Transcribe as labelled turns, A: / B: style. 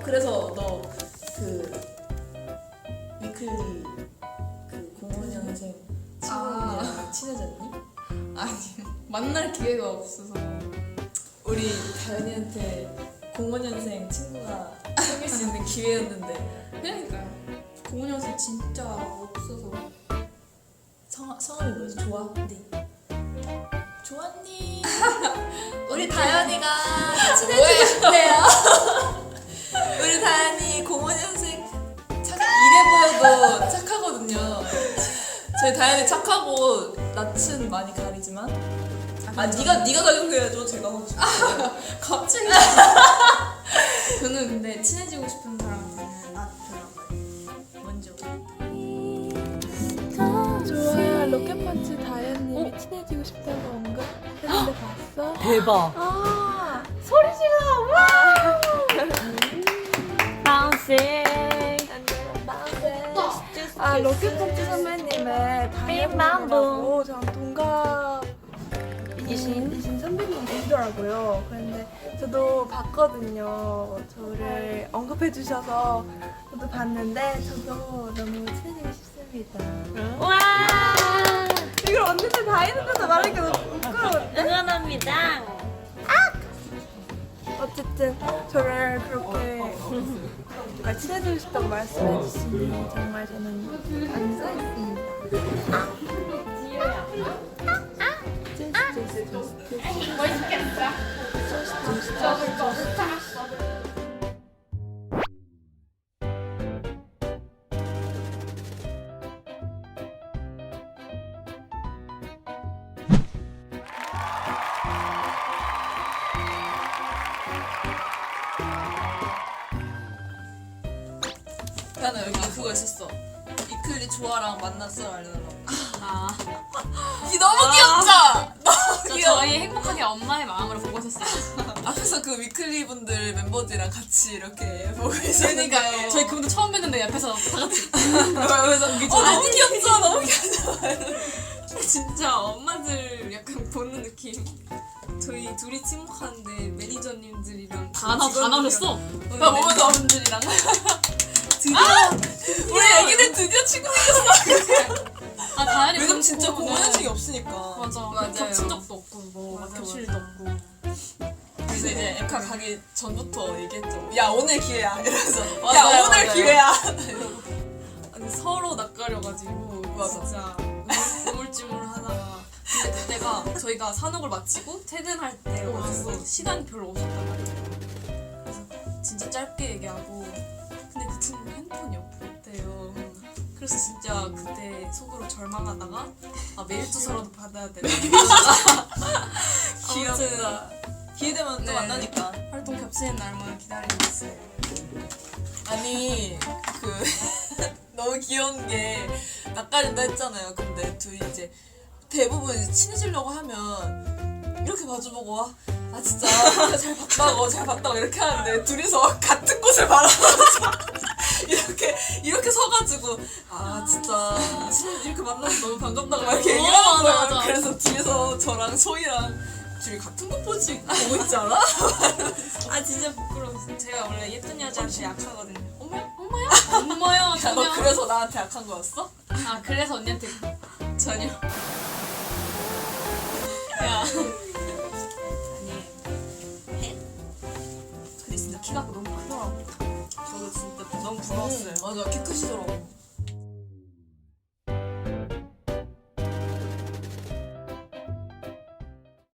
A: 그래서 너 그 위클리 그 05년생 친구랑 친해졌니?
B: 아니 만날 기회가 없어서.
A: 우리 다현이한테 05년생 친구가 생길 수 있는 기회였는데.
B: 그러니까요. 05년생 진짜 없어서.
A: 성함이 뭐지? 좋아? 네. 좋았니? 우리 다현이가 친해지고 싶대요. 우리 다현이 05년생 이래 보여도 착하거든요. 저희 다현이 착하고 낯은 많이 가리지만 네가 가려줘야죠. 제가 하고 싶어요.
B: 갑자기. 저는 근데 친해지고 싶은 사람한테는 낯더라고요. 먼저.
C: 좋아, 로켓펀치 다현님이 친해지고 싶다고 언급했는데 봤어?
D: 대박.
C: 아, 소리 질러! 와!
D: 바운싱.
C: 아, 로켓펀치 선배님의 다현님이라고 전 동갑이신 선배님이시더라고요. 그런데 저도 봤거든요. 저를 언급해 주셔서 저도 봤는데 저도 너무 친해지고 싶습니다.
D: 와.
C: 이걸 언니들 다 있는데도 말하니까 너무 부끄러운데?
D: 응원합니다.
C: 어쨌든 저를 그렇게 친해지고 싶다고 말씀해 주시니 정말 저는 감사했습니다.
A: 나는 여기 그거 있었어. 위클리 좋아랑 만났어 알려달라고. 이 너무 귀엽죠? 너무 귀여워.
B: 저희 행복하게 엄마의 마음으로 보고 있었어요.
A: 앞에서 그 위클리 분들 멤버들이랑 같이 이렇게 보고 있으니까
B: 저희 그분도 처음 뵀는데 옆에서 다 같이.
A: 그래서 너무 귀엽죠? 너무 귀엽죠?
B: 진짜 엄마들 약간 보는 느낌. 저희 둘이 침묵하는데 매니저님들이랑
D: 다 나오셨어.
A: 나 보면서 분들이랑 드디어 우리 애기들 드디어 친구 생겼어.
B: 아 다현이
A: 왜냐면 진짜
B: 그렇고.
A: 5년생이 없으니까.
B: 맞아요. 겹친 적도 없고 뭐
A: 맞아,
B: 겹칠
A: 맞아.
B: 일도 없고.
A: 그래서 이제 엠카 가기 전부터 얘기했죠. 야 오늘 기회야 이러면서. 야
B: 맞아요,
A: 오늘
B: 맞아요.
A: 기회야.
B: 아니 서로 낯가려가지고
A: 맞아.
B: 진짜 우물쭈물하다가 근데 그때가 저희가 산옥을 마치고 퇴근할 때여가지고 시간이 별로 없었단 말이에요. 그래서 진짜 짧게 얘기하고 근데 그 친구 핸드폰이 없대요. 그래서 진짜 그때 속으로 절망하다가 메일 주소라도 받아야 되나.
A: 귀엽다. 기회 되면 또
B: 네.
A: 만나니까.
B: 활동 겹치는 날만 기다리고 있어요.
A: 아니 그 너무 귀여운 게 낯가린다 했잖아요. 근데 둘이 이제 대부분 이제 친해지려고 하면 이렇게 마주보고 아 진짜 잘 봤다고 이렇게 하는데 둘이서 같은 곳을 바라보면서 이렇게 서가지고 아 진짜 이렇게 만나서 너무 반갑다고 막 이렇게 얘기하는 거예요.
B: 맞아.
A: 그래서 뒤에서 저랑 소희랑 둘이 같은 곳 보고 있지 않아?
B: 아 진짜 부끄러워. 제가 원래 예쁜 여자한테 약하거든요. 엄마야
A: 야, 너 그래서 나한테 약한 거였어?
B: 아 그래서 언니한테 전혀.
A: 야.
B: 아니. 근데 진짜 키가 너무 크더라고.
A: 저도 진짜 너무 부러웠어요. 맞아, 키 크시더라고.